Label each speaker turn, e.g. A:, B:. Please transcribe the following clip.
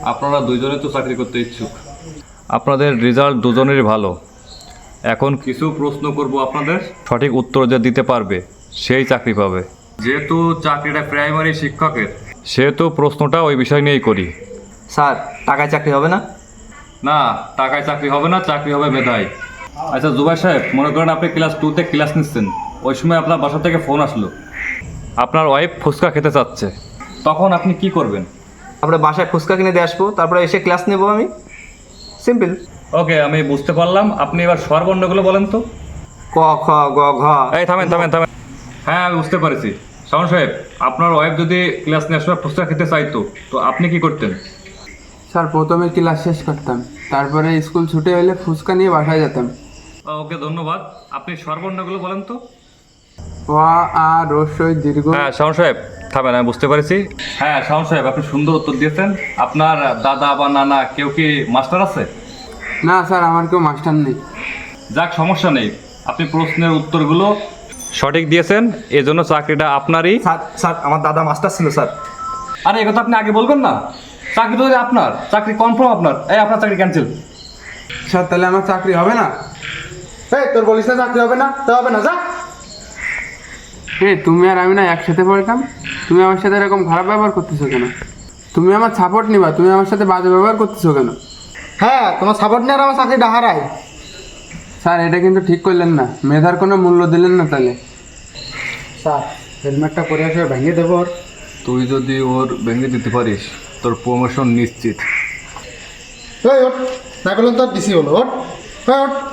A: আপনারা দুইজনে তো চাকরি করতে ইচ্ছুক, আপনাদের রেজাল্ট দুজনেরই ভালো। এখন কিছু প্রশ্ন করব, আপনাদের সঠিক উত্তর যে দিতে পারবে সেই চাকরি পাবে। যেহেতু চাকরিটা প্রাইমারি শিক্ষকের, সেহেতু প্রশ্নটা ওই বিষয় নিয়েই করি।
B: স্যার টাকায় চাকরি হবে না?
A: না, টাকায় চাকরি হবে না, চাকরি হবে মেধায়। আচ্ছা জুবাই সাহেব, মনে করেন আপনি ক্লাস 2-তে ক্লাস নিচ্ছেন, ওই সময় আপনার বাসা থেকে ফোন আসলো, আপনার ওয়াইফ ফুচকা খেতে চাচ্ছে, তখন আপনি কি করবেন?
B: তারপরে বাসায় ফুচকা কিনে দিয়ে আসবো, তারপরে এসে ক্লাস নেবো আমি। সিম্পল।
A: ওকে, আমি বুঝতে পারলাম। আপনি এবার স্বরবর্ণগুলো বলেন তো।
B: ক খ গ ঘ।
A: এই থামেন থামেন থামেন। হ্যাঁ, আমি বুঝতে পারছি। শাওন সাহেব, আপনার ওয়াইফ যদি ক্লাস নেওয়ার সময় ফুচকা খেতে চাইতো, তো আপনি কি করতেন?
C: স্যার প্রথমে ক্লাস শেষ করতাম, তারপরে স্কুল ছুটে হলে ফুচকা নিয়ে বাসায় যেতাম।
A: ওকে, ধন্যবাদ। আপনি স্বরবর্ণগুলো বলেন তো।
C: অ আ রস্বই দীর্ঘ।
A: হ্যাঁ শাওন সাহেব, থামেন, আমি বুঝতে পারছি। হ্যাঁ শাওন সাহেব, আপনি সুন্দর উত্তর দিয়েছেন। আপনার দাদা বা নানা কেউ কি মাস্টার আছে?
C: না স্যার, আমার কেউ মাস্টার নেই।
A: যাক, সমস্যা নেই। আপনি প্রশ্নের উত্তরগুলো সঠিক দিয়েছেন, এজন্য চাকরিটা আপনারই।
B: স্যার স্যার আমার দাদা মাস্টার ছিল স্যার।
A: আরে এ কথা আপনি আগে বলবেন না? চাকরি তো আপনার, চাকরি কনফার্ম আপনার। এই আপনার চাকরি ক্যান্সেল।
C: স্যার তাহলে আমার চাকরি হবে না?
D: এই তোর বলিস না চাকরি হবে না, তো হবে না, যা।
C: তুমি আর আমি না একসাথে পড়তাম, তুমি আমার সাথে এরকম খারাপ ব্যবহার করতেছো কেন? তুমি আমার সাপোর্ট নিবা, তুমি আমার সাথে বাজে ব্যবহার করতেছো কেন?
D: হ্যাঁ, তোমার সাপোর্ট নিয়ে আর আমার চাকরিটা হারায়।
C: স্যার এটা কিন্তু ঠিক করলেন না, মেধার কোনো মূল্য দিলেন না। তাহলে
D: স্যার হেলমেটটা পরে আসে ভেঙে দেবো ওর।
A: তুই যদি ওর ভেঙে দিতে পারিস, তোর প্রমোশন নিশ্চিত।
D: ওঠ, না করলেন তোর ডিসি হলো, ওঠ, ওঠ।